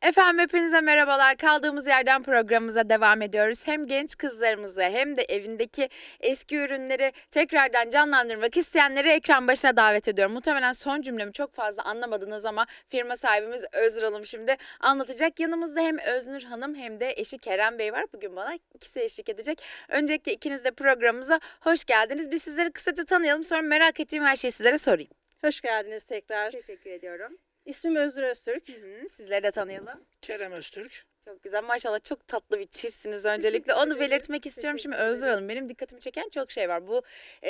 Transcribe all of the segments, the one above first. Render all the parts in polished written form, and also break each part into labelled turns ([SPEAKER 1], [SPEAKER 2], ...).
[SPEAKER 1] Efendim hepinize merhabalar. Kaldığımız yerden programımıza devam ediyoruz. Hem genç kızlarımızı hem de evindeki eski ürünleri tekrardan canlandırmak isteyenleri ekran başına davet ediyorum. Muhtemelen son cümlemi çok fazla anlamadınız ama firma sahibimiz Öznur Hanım şimdi anlatacak. Yanımızda hem Öznur Hanım hem de eşi Kerem Bey var. Bugün bana ikisi eşlik edecek. Öncelikle ikiniz de programımıza hoş geldiniz. Biz sizleri kısaca tanıyalım, sonra merak ettiğim her şeyi sizlere sorayım.
[SPEAKER 2] Hoş geldiniz tekrar.
[SPEAKER 1] Teşekkür ediyorum.
[SPEAKER 2] İsmim Öznur Öztürk.
[SPEAKER 1] Sizleri de tanıyalım.
[SPEAKER 3] Kerem Öztürk.
[SPEAKER 1] Çok güzel, maşallah çok tatlı bir çiftsiniz öncelikle. Onu
[SPEAKER 2] ederiz.
[SPEAKER 1] belirtmek istiyorum. Şimdi
[SPEAKER 2] Teşekkür
[SPEAKER 1] Öznur Hanım, benim dikkatimi çeken çok şey var. Bu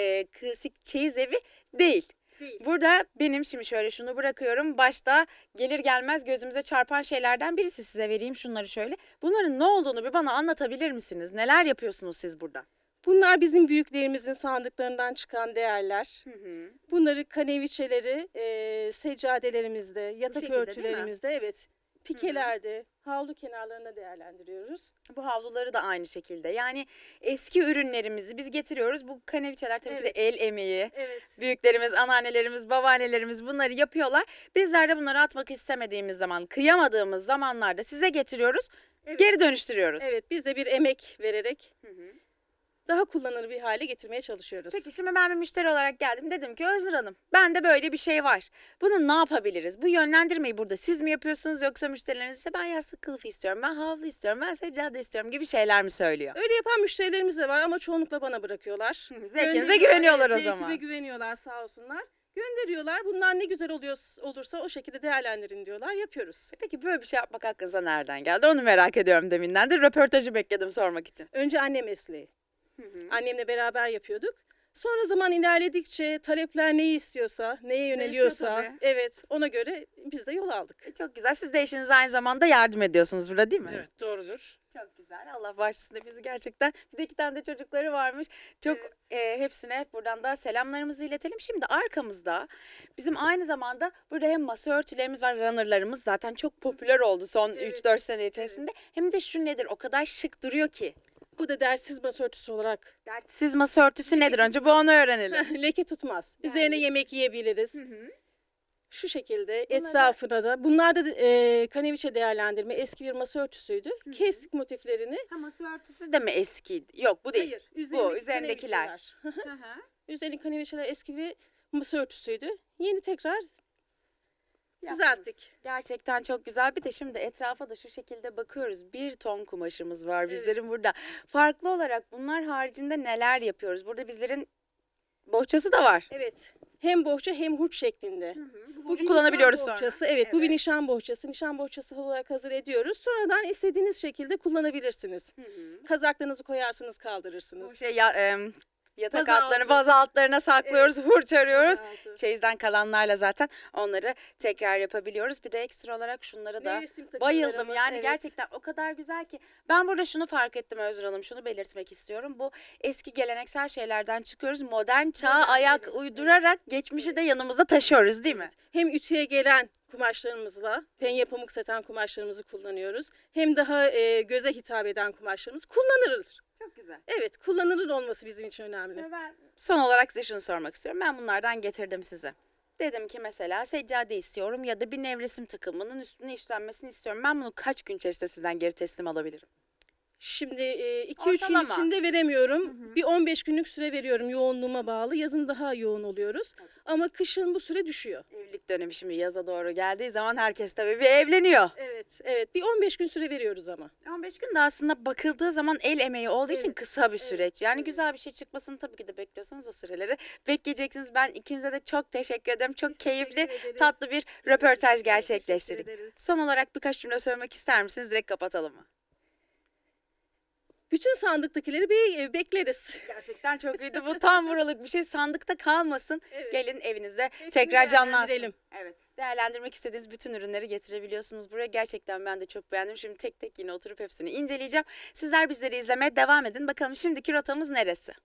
[SPEAKER 1] klasik çeyiz evi değil.
[SPEAKER 2] Değil.
[SPEAKER 1] Burada benim şimdi şöyle şunu bırakıyorum. Başta gelir gelmez gözümüze çarpan şeylerden birisi, size vereyim şunları şöyle. Bunların ne olduğunu bir bana anlatabilir misiniz? Neler yapıyorsunuz siz burada?
[SPEAKER 2] Bunlar bizim büyüklerimizin sandıklarından çıkan değerler. Bunları kaneviçeleri, seccadelerimizde, yatak
[SPEAKER 1] şekilde değil mi?
[SPEAKER 2] örtülerimizde, evet, pikelerde, havlu kenarlarına değerlendiriyoruz.
[SPEAKER 1] Bu havluları da aynı şekilde. Yani eski ürünlerimizi biz getiriyoruz. Bu kaneviçeler tabii ki de el emeği.
[SPEAKER 2] Evet.
[SPEAKER 1] Büyüklerimiz, anneannelerimiz, babaannelerimiz bunları yapıyorlar. Bizler de bunları atmak istemediğimiz zaman, kıyamadığımız zamanlarda size getiriyoruz.
[SPEAKER 2] Evet.
[SPEAKER 1] Geri dönüştürüyoruz.
[SPEAKER 2] Evet, biz de bir emek vererek daha kullanılır bir hale getirmeye çalışıyoruz.
[SPEAKER 1] Peki şimdi ben bir müşteri olarak geldim. Dedim ki Öznur Hanım, bende böyle bir şey var. Bunu ne yapabiliriz? Bu yönlendirmeyi burada siz mi yapıyorsunuz, yoksa müşterileriniz ise ben yastık kılıfı istiyorum, ben havlu istiyorum, ben seccade istiyorum gibi şeyler mi söylüyor?
[SPEAKER 2] Öyle yapan müşterilerimiz de var ama çoğunlukla bana bırakıyorlar.
[SPEAKER 1] Zevkinize
[SPEAKER 2] Gönderiyorlar,
[SPEAKER 1] güveniyorlar o
[SPEAKER 2] evet,
[SPEAKER 1] zaman.
[SPEAKER 2] Zevkime güveniyorlar sağ olsunlar. Gönderiyorlar. Bunlar ne güzel olursa o şekilde değerlendirin diyorlar. Yapıyoruz.
[SPEAKER 1] Peki böyle bir şey yapmak aklınıza nereden geldi? Onu merak ediyorum deminden de. Röportajı bekledim sormak için.
[SPEAKER 2] Önce anne mesleği. Annemle beraber yapıyorduk. Sonra zaman ilerledikçe talepler neyi istiyorsa, neye yöneliyorsa,
[SPEAKER 1] tabii.
[SPEAKER 2] evet, ona göre biz de yol aldık.
[SPEAKER 1] Çok güzel. Siz de eşinize aynı zamanda yardım ediyorsunuz burada, değil mi?
[SPEAKER 3] Evet, doğrudur.
[SPEAKER 1] Çok güzel. Allah bağışlasın bizi gerçekten. Bir de 2 tane de çocukları varmış. Çok hepsine buradan da selamlarımızı iletelim. Şimdi arkamızda bizim aynı zamanda burada hem masa örtülerimiz var, runnerlarımız zaten çok popüler oldu son
[SPEAKER 2] Evet.
[SPEAKER 1] 3-4 sene içerisinde. Hem de şu nedir? O kadar şık duruyor ki.
[SPEAKER 2] Bu da dertsiz masa örtüsü olarak
[SPEAKER 1] Siz masa örtüsü nedir? Önce bu onu öğrenelim.
[SPEAKER 2] leke tutmaz. Üzerine yemek yiyebiliriz. Şu şekilde etrafına da. Bunlar da kaneviçe değerlendirme. Eski bir masa örtüsüydü. Kestik motiflerini.
[SPEAKER 1] Ha, masa örtüsü de mi eski? Yok, bu değil.
[SPEAKER 2] Hayır.
[SPEAKER 1] Bu üzerindekiler.
[SPEAKER 2] kaneviçeler. Üzerindeki kaneviçeler eski bir masa örtüsüydü. Yeni tekrar düzelttik.
[SPEAKER 1] Gerçekten çok güzel. Bir de şimdi etrafa da şu şekilde bakıyoruz. 1 ton kumaşımız var bizlerin burada. Farklı olarak bunlar haricinde neler yapıyoruz? Burada bizlerin bohçası da var.
[SPEAKER 2] Evet. Hem bohça hem hurç şeklinde.
[SPEAKER 1] Bu
[SPEAKER 2] bir
[SPEAKER 1] kullanabiliyoruz
[SPEAKER 2] nişan
[SPEAKER 1] sonra.
[SPEAKER 2] bohçası. Evet, bu bir
[SPEAKER 1] Evet.
[SPEAKER 2] nişan bohçası. Nişan bohçası olarak hazır ediyoruz. Sonradan istediğiniz şekilde kullanabilirsiniz. Kazaklarınızı koyarsınız, kaldırırsınız.
[SPEAKER 1] Bu şey yatak
[SPEAKER 2] Baza
[SPEAKER 1] altlarını,
[SPEAKER 2] altı.
[SPEAKER 1] baza altlarına saklıyoruz, hurç arıyoruz.
[SPEAKER 2] Baza altı.
[SPEAKER 1] Çeyizden kalanlarla zaten onları tekrar yapabiliyoruz. Bir de ekstra olarak şunlara da
[SPEAKER 2] Resim takımlarımız,
[SPEAKER 1] bayıldım. Yani
[SPEAKER 2] evet.
[SPEAKER 1] gerçekten o kadar güzel ki. Ben burada şunu fark ettim Öznur Hanım, şunu belirtmek istiyorum. Bu eski geleneksel şeylerden çıkıyoruz. Modern çağa ayak uydurarak geçmişi de yanımızda taşıyoruz, değil mi?
[SPEAKER 2] Hem ütüye gelen kumaşlarımızla, penye pamuk saten kumaşlarımızı kullanıyoruz. Hem daha göze hitap eden kumaşlarımız kullanılır.
[SPEAKER 1] Çok güzel.
[SPEAKER 2] Evet, kullanılır olması bizim için önemli.
[SPEAKER 1] Ben son olarak size şunu sormak istiyorum. Ben bunlardan getirdim size. Dedim ki mesela seccade istiyorum ya da bir nevresim takımının üstüne işlenmesini istiyorum. Ben bunu kaç gün içerisinde sizden geri teslim alabilirim?
[SPEAKER 2] Şimdi 2-3 gün
[SPEAKER 1] Ortalama.
[SPEAKER 2] içinde veremiyorum. Bir 15 günlük süre veriyorum, yoğunluğuma bağlı. Yazın daha yoğun oluyoruz. Ama kışın bu süre düşüyor.
[SPEAKER 1] Evlilik dönemi şimdi yaza doğru geldiği zaman herkes tabii bir evleniyor.
[SPEAKER 2] Evet. Bir 15 gün süre veriyoruz ama.
[SPEAKER 1] 15 gün de aslında bakıldığı zaman el emeği olduğu için
[SPEAKER 2] Evet,
[SPEAKER 1] kısa bir süreç. Yani
[SPEAKER 2] evet.
[SPEAKER 1] güzel bir şey çıkmasını tabii ki de bekliyorsanız o süreleri bekleyeceksiniz. Ben ikinize de çok teşekkür ederim. Çok
[SPEAKER 2] Biz
[SPEAKER 1] keyifli,
[SPEAKER 2] teşekkür ederiz.
[SPEAKER 1] tatlı bir röportaj
[SPEAKER 2] Teşekkür
[SPEAKER 1] gerçekleştirdik.
[SPEAKER 2] ederiz.
[SPEAKER 1] Son olarak birkaç cümle söylemek ister misiniz? Direkt kapatalım mı?
[SPEAKER 2] Bütün sandıktakileri bir bekleriz.
[SPEAKER 1] Gerçekten çok iyiydi. Bu tam buralık bir şey. Sandıkta kalmasın.
[SPEAKER 2] Evet.
[SPEAKER 1] Gelin evinizde
[SPEAKER 2] Hepsini
[SPEAKER 1] tekrar canlansın.
[SPEAKER 2] değerlendirelim.
[SPEAKER 1] Evet. Değerlendirmek istediğiniz bütün ürünleri getirebiliyorsunuz buraya. Gerçekten ben de çok beğendim. Şimdi tek tek yine oturup hepsini inceleyeceğim. Sizler bizleri izlemeye devam edin. Bakalım şimdiki rotamız neresi?